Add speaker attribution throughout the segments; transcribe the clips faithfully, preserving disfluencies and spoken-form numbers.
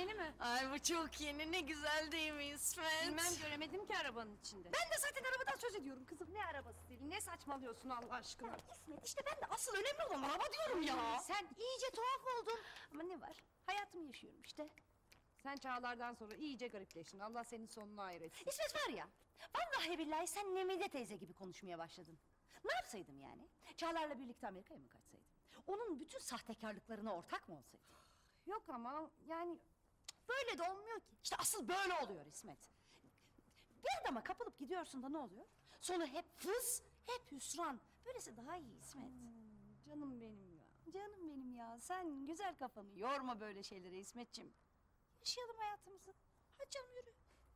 Speaker 1: yeni mi?
Speaker 2: Ay bu çok yeni, ne güzel değil mi İsmet?
Speaker 1: Bilmem, göremedim ki arabanın içinde.
Speaker 3: Ben de zaten arabadan söz ediyorum kızım. Ne arabası Selin? Ne saçmalıyorsun Allah aşkına? İsmet işte ben de asıl önemli olan araba diyorum ya.
Speaker 1: Sen iyice tuhaf oldun. Ama ne var? Hayatımı yaşıyorum işte. Sen Çağlar'dan sonra iyice garipleştin. Allah senin sonunu hayır etsin.
Speaker 3: İsmet var ya, vallahi billahi sen Nemide teyze gibi konuşmaya başladın. Ne yapsaydım yani? Çağlar'la birlikte Amerika'ya mı kaçsaydım? Onun bütün sahtekarlıklarına ortak mı olsaydım?
Speaker 1: Yok ama yani...
Speaker 3: Böyle de olmuyor ki. İşte asıl böyle oluyor İsmet. Bir adama kapılıp gidiyorsun da ne oluyor? Sonu hep fıs, hep hüsran. Böylesi daha iyi İsmet.
Speaker 1: Hmm, canım benim ya.
Speaker 3: Canım benim ya, sen güzel kafanı yorma böyle şeylere İsmetciğim. Yaşayalım hayatımızı. Hadi canım yürü.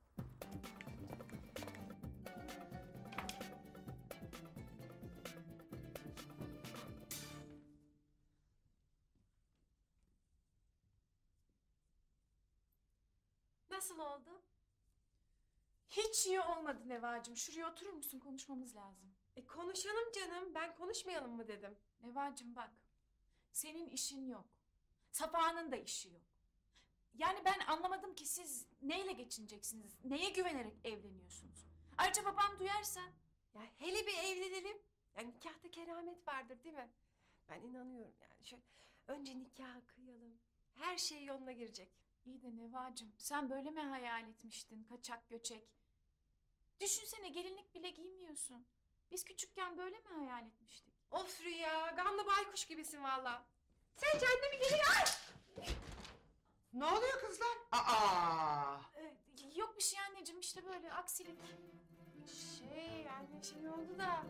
Speaker 4: Nasıl oldu? Hiç iyi olmadı Nevacığım. Şuraya oturur musun? Konuşmamız lazım.
Speaker 5: E konuşalım canım. Ben konuşmayalım mı dedim.
Speaker 4: Nevacığım bak. Senin işin yok. Safa'nın da işi yok. Yani ben anlamadım ki siz neyle geçineceksiniz? Neye güvenerek evleniyorsunuz? Ayrıca babam duyarsa...
Speaker 5: Ya hele bir evlenelim. Yani nikahta keramet vardır değil mi? Ben inanıyorum yani. Şöyle önce nikah kıyalım. Her şey yoluna girecek.
Speaker 4: İyi de Nevacığım sen böyle mi hayal etmiştin? Kaçak göçek. Düşünsene gelinlik bile giymiyorsun. Biz küçükken böyle mi hayal etmiştik?
Speaker 5: Of Rüya, gamlı baykuş gibisin valla. Sen kendine bir gelin. Ay!
Speaker 6: Ne oluyor kızlar? Aa!
Speaker 4: Ee, yok bir şey anneciğim işte böyle aksilik.
Speaker 5: Şey yani şey oldu da.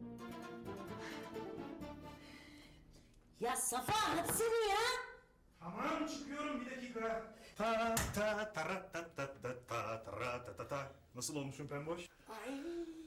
Speaker 3: Ya Safa hadi seni ya.
Speaker 7: Tamam çıkıyorum bir dakika. Ta ta ta ta ta ta ta ta ta ta ta. Nasıl olmuşum pemboş?
Speaker 8: Ay.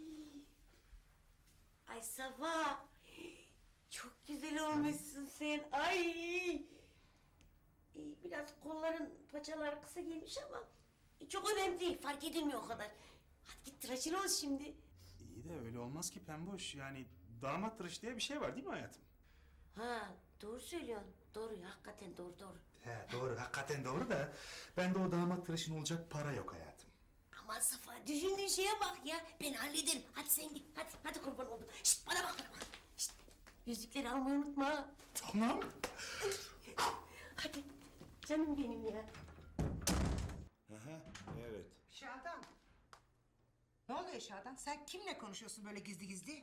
Speaker 8: Ay Safa. Çok güzel olmuşsun sen. Ay. Ee, Biraz kolların paçalar kısa gelmiş ama çok önemli değil. Fark edilmiyor o kadar. Hadi git tıraşın ol şimdi.
Speaker 7: İyi de öyle olmaz ki pemboş. Yani damat tıraşı diye bir şey var değil mi hayatım?
Speaker 8: Ha doğru söylüyorsun. Doğru ya, hakikaten doğru doğru.
Speaker 7: He doğru hakikaten doğru da bende o damat tıraşın olacak para yok hayatım.
Speaker 8: Aman Safa düşündüğün şeye bak ya. Ben hallederim. Hadi sen git. Hadi hadi kurban oldum. Şişt bana bak bana bak. Şişt. Yüzükleri almayı unutma.
Speaker 7: Tamam.
Speaker 8: Hadi canım benim ya.
Speaker 9: Aha, evet.
Speaker 6: Şadan. Ne oluyor Şadan? Sen kimle konuşuyorsun böyle gizli gizli?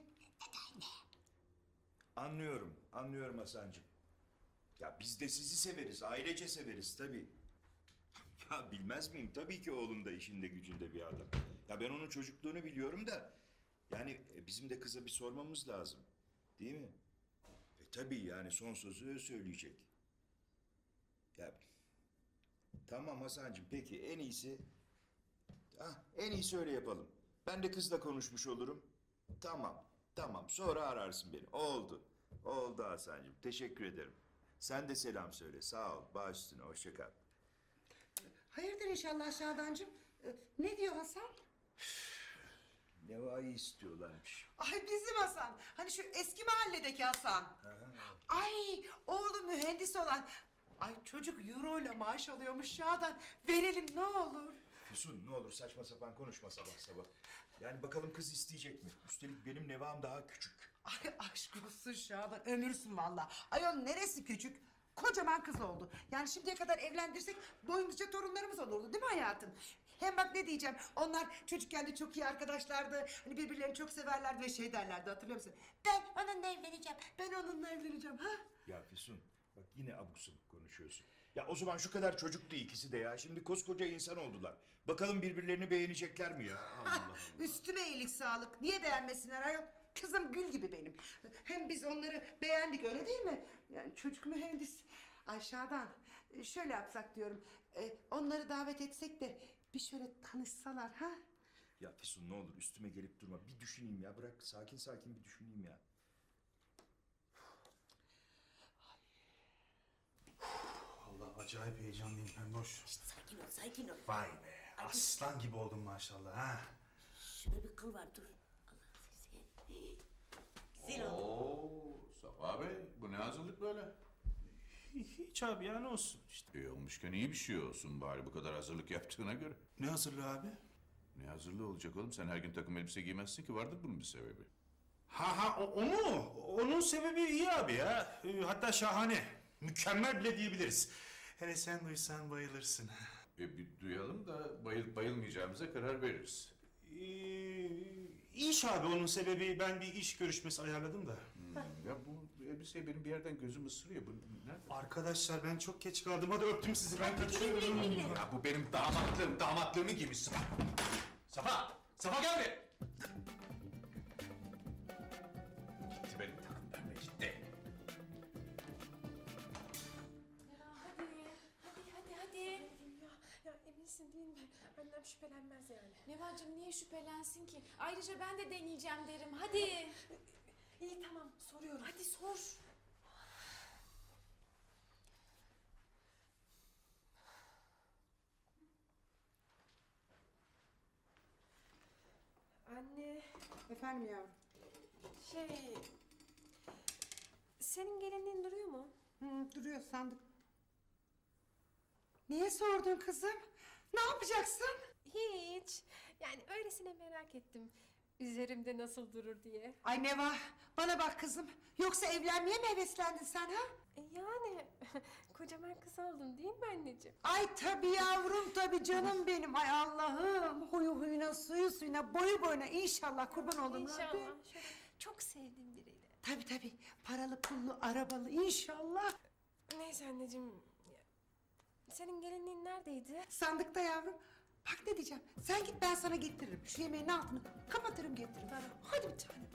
Speaker 9: Anlıyorum, anlıyorum Hasancığım. Ya biz de sizi severiz, ailece severiz tabii. Ya bilmez miyim? Tabii ki oğlum da işinde gücünde bir adam. Ya ben onun çocukluğunu biliyorum da... Yani e, bizim de kıza bir sormamız lazım. Değil mi? E tabii yani son sözü o söyleyecek. Ya tamam Hasancığım peki en iyisi... Ah, en iyisi öyle yapalım. Ben de kızla konuşmuş olurum. Tamam, tamam. Sonra ararsın beni. Oldu. Oldu Hasancığım. Teşekkür ederim. Sen de selam söyle. Sağ ol. Baş üstüne. Hoşça kal.
Speaker 6: Hayırdır inşallah Şadancığım? Ee, ne diyor Hasan?
Speaker 9: Neva'yı istiyorlarmış.
Speaker 6: Ay bizim Hasan. Hani şu eski mahalledeki Hasan. Ay oğlu mühendis olan. Ay çocuk euro ile maaş alıyormuş Şadan. Verelim ne olur.
Speaker 9: Füsun ne olur saçma sapan konuşma sabah sabah. Yani bakalım kız isteyecek mi? Üstelik benim Neva'm daha küçük.
Speaker 6: Ay aşk olsun Şadan. Ömürsün valla. Ayol neresi küçük? Kocaman kız oldu. Yani şimdiye kadar evlendirsek boyunca torunlarımız olurdu değil mi hayatım? Hem bak ne diyeceğim. Onlar çocukken de çok iyi arkadaşlardı. Hani birbirlerini çok severlerdi ve şey derlerdi hatırlıyor musun? Ben onunla evleneceğim. Ben onunla evleneceğim. Ha?
Speaker 9: Ya Füsun bak yine abuk sabuk konuşuyorsun. Ya o zaman şu kadar çocuktu ikisi de ya. Şimdi koskoca insan oldular. Bakalım birbirlerini beğenecekler mi ya? Allah Allah.
Speaker 6: Üstüme iyilik sağlık. Niye beğenmesinler ayol? Kızım gül gibi benim. Hem biz onları beğendik öyle değil mi? Yani çocuk mühendis. Ay Şadan şöyle yapsak diyorum. E, onları davet etsek de bir şöyle tanışsalar ha?
Speaker 9: Ya Füsun ne olur üstüme gelip durma. Bir düşüneyim ya. Bırak sakin sakin bir düşüneyim ya.
Speaker 7: Vallahi acayip heyecanlıyım pemboş.
Speaker 8: Şişt, sakin ol sakin ol.
Speaker 7: Vay be aslan gibi oldun maşallah ha.
Speaker 8: Şöyle bir kıl var dur. Allah sizi. Güzel oldu.
Speaker 10: Oo, Safa Bey, bu ne hazırlık böyle?
Speaker 7: Hiç abi ya, ne olsun işte.
Speaker 10: İyi olmuşken iyi bir şey olsun bari bu kadar hazırlık yaptığına göre.
Speaker 7: Ne hazırlığı abi?
Speaker 10: Ne hazırlığı olacak oğlum? Sen her gün takım elbise giymezsin ki, vardır bunun bir sebebi.
Speaker 7: Ha ha o, o mu? Onun sebebi iyi abi ya. Ee, hatta şahane. Mükemmel bile diyebiliriz. Hele sen duysan bayılırsın.
Speaker 10: E bir duyalım da bayılıp bayılmayacağımıza karar veririz.
Speaker 7: Ee, iş abi onun sebebi. Ben bir iş görüşmesi ayarladım da.
Speaker 10: Hmm, ya bu elbiseye benim bir yerden gözüm ısırıyor. Bu nerede?
Speaker 7: Arkadaşlar ben çok geç kaldım. Hadi öptüm sizi, ben kaçıyorum.
Speaker 10: Ya bu benim damatlığım, damatlığımı giymiş Safa. Safa! Safa gel buraya! Gitti benim takım pembe, gitti.
Speaker 4: Hadi, hadi, hadi, hadi.
Speaker 5: Ya, ya eminsin değil mi? Annem şüphelenmez yani.
Speaker 4: Nevacığım niye şüphelensin ki? Ayrıca ben de deneyeceğim derim. Hadi.
Speaker 5: İyi tamam soruyorum.
Speaker 4: Hadi sor.
Speaker 5: Anne
Speaker 6: Efendim yavrum?
Speaker 5: şey... Senin gelinliğin duruyor mu?
Speaker 6: Hı, duruyor sandık. Niye sordun kızım? Ne yapacaksın?
Speaker 5: Hiç. Yani öylesine merak ettim. Üzerimde nasıl durur diye.
Speaker 6: Ay Neva, bana bak kızım. Yoksa evlenmeye mi heveslendin sen ha?
Speaker 5: E yani kocaman kız oldum değil mi anneciğim?
Speaker 6: Ay tabii yavrum, tabii canım benim. Ay Allah'ım, huyu huyuna, suyu suyuna, boyu boyuna inşallah kurban oldum
Speaker 5: İnşallah.
Speaker 6: Rabbim.
Speaker 5: Şöyle çok sevdiğim biriyle.
Speaker 6: Tabii tabii, paralı, pullu, arabalı inşallah.
Speaker 5: Neyse anneciğim. Senin gelinliğin neredeydi?
Speaker 6: Sandıkta yavrum. Bak ne diyeceğim, sen git ben sana getiririm. Şu yemeğin altını kapatırım getiririm. Hadi bir tanem.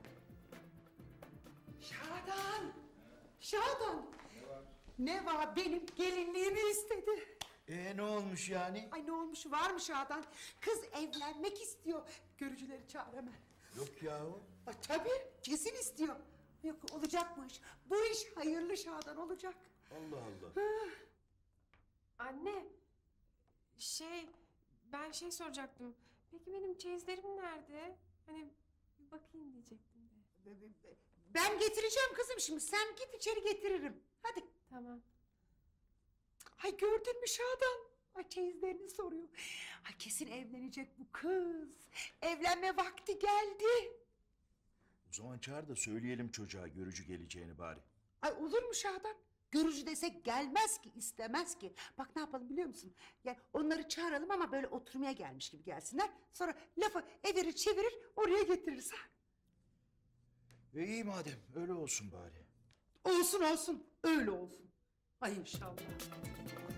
Speaker 6: Şadan! Şadan! Ne var? Benim gelinliğimi istedi.
Speaker 11: Ee ne olmuş yani?
Speaker 6: Ay ne olmuş, var mı Şadan? Kız evlenmek istiyor. Görücüleri çağır hemen.
Speaker 11: Yok yahu.
Speaker 6: Ay, tabii, kesin istiyor. Yok, olacak bu iş. Bu iş hayırlı Şadan, olacak.
Speaker 11: Allah Allah.
Speaker 5: Anne. Şey ben şey soracaktım. Peki benim çeyizlerim nerede? Hani bir bakayım diyecektim de.
Speaker 6: Ben getireceğim kızım şimdi. Sen git içeri, getiririm. Hadi.
Speaker 5: Tamam.
Speaker 6: Ay gördün mü Şadan? Ay çeyizlerini soruyor. Ay kesin evlenecek bu kız. Evlenme vakti geldi.
Speaker 11: O zaman çağır da söyleyelim çocuğa görücü geleceğini bari.
Speaker 6: Ay olur mu Şadan? Görücü desek gelmez ki, istemez ki. Bak ne yapalım biliyor musun? Yani onları çağıralım ama böyle oturmaya gelmiş gibi gelsinler. Sonra lafı evirir çevirir oraya getiririz. Ha?
Speaker 11: E iyi madem öyle olsun bari.
Speaker 6: Olsun olsun, öyle olsun. Ay inşallah.